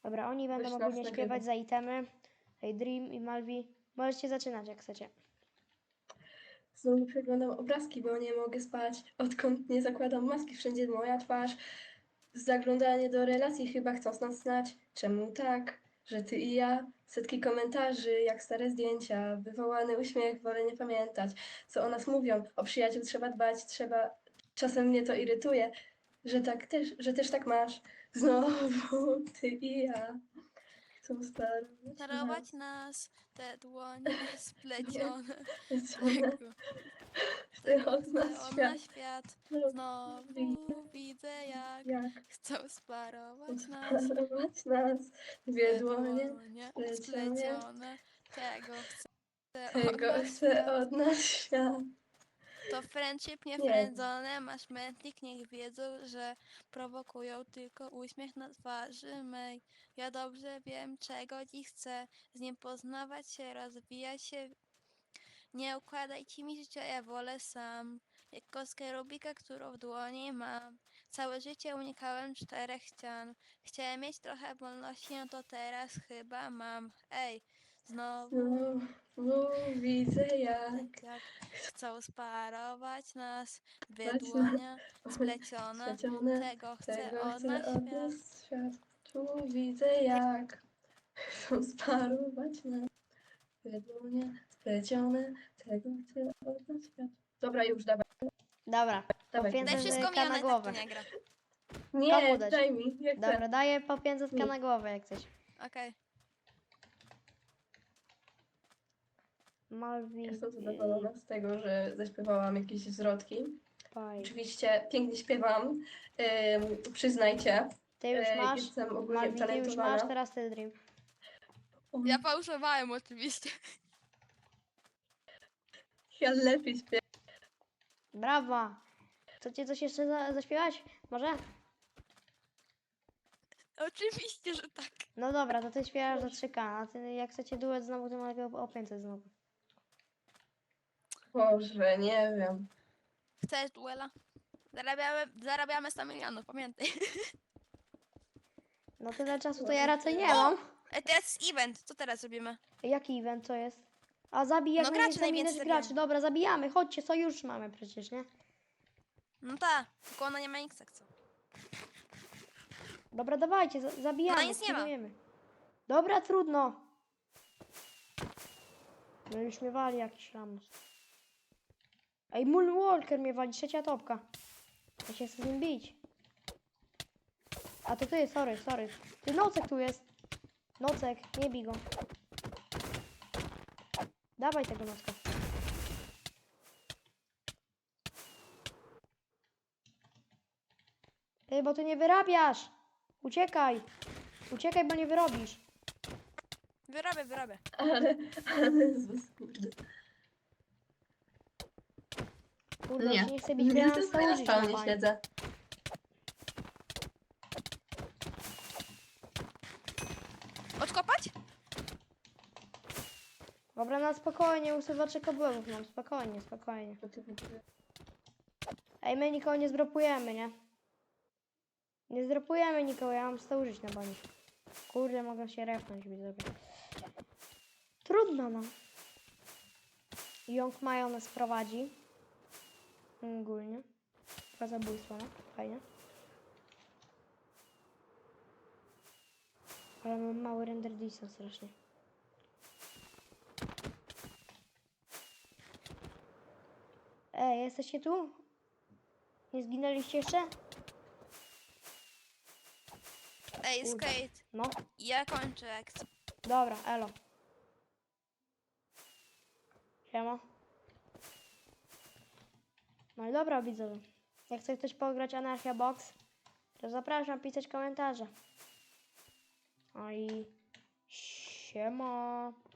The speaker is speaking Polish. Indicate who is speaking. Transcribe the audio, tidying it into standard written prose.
Speaker 1: Dobra, oni będą
Speaker 2: Weź nas
Speaker 1: ogólnie
Speaker 2: nagrywa.
Speaker 1: śpiewać za itemy. Hej, Dream i Malvi. Możecie zaczynać jak chcecie.
Speaker 2: Znowu przeglądam obrazki, bo nie mogę spać. Odkąd nie zakładam maski, wszędzie moja twarz. Zaglądanie do relacji chyba chcą nas znać. Czemu tak, że ty i ja? Setki komentarzy, jak stare zdjęcia. Wywołany uśmiech, wolę nie pamiętać. Co o nas mówią? O przyjaciół trzeba dbać, trzeba... Czasem mnie to irytuje, że też tak masz. Znowu ty i ja. Chcą starować
Speaker 3: Czarować
Speaker 2: nas.
Speaker 3: nas, te dłonie splecione.
Speaker 2: One
Speaker 3: Tego
Speaker 2: od
Speaker 3: chce
Speaker 2: nas
Speaker 3: od
Speaker 2: świat.
Speaker 3: nas świat.
Speaker 2: Znowu
Speaker 3: Znowu widzę jak
Speaker 2: jak
Speaker 3: chcą sparować nas.
Speaker 2: sparować nas. Dwie
Speaker 3: Te
Speaker 2: dłonie
Speaker 3: dłonie
Speaker 2: splecione.
Speaker 3: splecione. Tego chce od
Speaker 2: Tego
Speaker 3: nas
Speaker 2: chce
Speaker 3: świat.
Speaker 2: od nas świat.
Speaker 3: To friendship nie
Speaker 2: Nie.
Speaker 3: frędzone, masz mętlik, niech wiedzą, że prowokują tylko uśmiech na twarzy mej. Ja dobrze wiem, czego dziś chcę, z nim poznawać się, rozwijać się. Nie układajcie mi życia, ja wolę sam. Jak kostkę Rubika, którą w dłoni mam. Całe życie unikałem czterech ścian. Chciałem mieć trochę wolności, no to teraz chyba mam. Ej, znowu
Speaker 2: Znowu widzę jak
Speaker 3: jak chcą sparować nas. Dwie
Speaker 2: patrz
Speaker 3: dłonie
Speaker 2: na
Speaker 3: splecione.
Speaker 2: splecione.
Speaker 3: Tego chce
Speaker 2: Tego
Speaker 3: od nas
Speaker 2: chce od nas
Speaker 3: świat.
Speaker 2: świat. Tu widzę jak chcą sparować nas. Dwie dłonie splecione. Tego chce od nas świat. Dobra, już dawaj.
Speaker 1: Dobra, po
Speaker 2: Dawaj.
Speaker 3: Daj
Speaker 1: 500
Speaker 3: wszystko mi,
Speaker 1: na
Speaker 3: ona i tak
Speaker 1: głowę.
Speaker 3: tu nie gra.
Speaker 1: Komu
Speaker 2: Nie,
Speaker 1: dać?
Speaker 2: daj mi. Jak
Speaker 1: Dobra,
Speaker 2: chcę.
Speaker 1: daję po 500
Speaker 2: Nie.
Speaker 1: na głowę jak coś.
Speaker 3: Okej.
Speaker 1: Malvi.
Speaker 2: Jestem zadowolona z tego, że zaśpiewałam jakieś zwrotki.
Speaker 1: Paj.
Speaker 2: Oczywiście pięknie śpiewam, przyznajcie.
Speaker 1: Ty już masz.
Speaker 2: Jestem ogólnie
Speaker 1: Malvi, ty już masz,
Speaker 2: talentowana.
Speaker 1: teraz ty Dream.
Speaker 3: Ja fałszowałem oczywiście.
Speaker 2: Ja lepiej śpiewam.
Speaker 1: Brawa. Chcecie coś jeszcze zaśpiewać? Może?
Speaker 3: Oczywiście, że tak.
Speaker 1: No dobra, to ty śpiewasz za 3K, a ty jak chcecie duet znowu, to mogę o 500 znowu.
Speaker 2: Boże, nie wiem.
Speaker 3: Chcesz duela? Zarabiamy 100 milionów, pamiętaj.
Speaker 1: No tyle czasu to ja raczej nie mam.
Speaker 3: Teraz jest event, co teraz robimy?
Speaker 1: Jaki event to jest? A zabij jak
Speaker 3: No graczy
Speaker 1: najwięcej
Speaker 3: najwięcej
Speaker 1: ilość graczy.
Speaker 3: zabijamy.
Speaker 1: Dobra, zabijamy. Chodźcie, sojusz mamy przecież, nie?
Speaker 3: No tak, tylko ona nie ma nic co.
Speaker 1: Dobra, dawajcie, zabijamy,
Speaker 3: No nic nie ma.
Speaker 1: spróbujemy. Dobra, trudno. No już mnie wali jakiś lamus. Ej, Moonwalker mnie wali, trzecia topka. Ja się chcę z nim bić. A to ty, sorry. Ty, Nocek tu jest. Nocek, nie bij go. Dawaj tego Nocka. Ty, bo ty nie wyrabiasz. Uciekaj. Uciekaj, bo nie wyrobisz.
Speaker 3: Wyrobię.
Speaker 2: Ale kurde.
Speaker 1: Kurde,
Speaker 2: Nie.
Speaker 1: on się nie chce bić,
Speaker 2: Nie,
Speaker 1: bo ja mam
Speaker 2: tylko ja na
Speaker 1: stałużyć na
Speaker 2: spawnie
Speaker 1: bani.
Speaker 2: siedzę.
Speaker 3: Odkopać?
Speaker 1: Dobra, na spokojnie, usuwacze kabelów mam, spokojnie. Ej, my nikogo nie zdropujemy, nie? Nie zdropujemy nikogo, ja mam stałużyć na bani. Kurde, mogę się refnąć, widzowie. Trudno, no. Young Mayo nas prowadzi. Ogólnie. Chyba zabójstwo, no. Fajnie. Ale mam mały render distance strasznie. Ej, jesteście tu? Nie zginęliście jeszcze?
Speaker 3: Ej,
Speaker 1: Kurde.
Speaker 3: skate.
Speaker 1: No.
Speaker 3: Ja kończę akcję.
Speaker 1: Dobra, elo. Siema. No i dobra, widzowie. Jak chce ktoś pograć Anarchia Box, to zapraszam pisać komentarze. No i siema.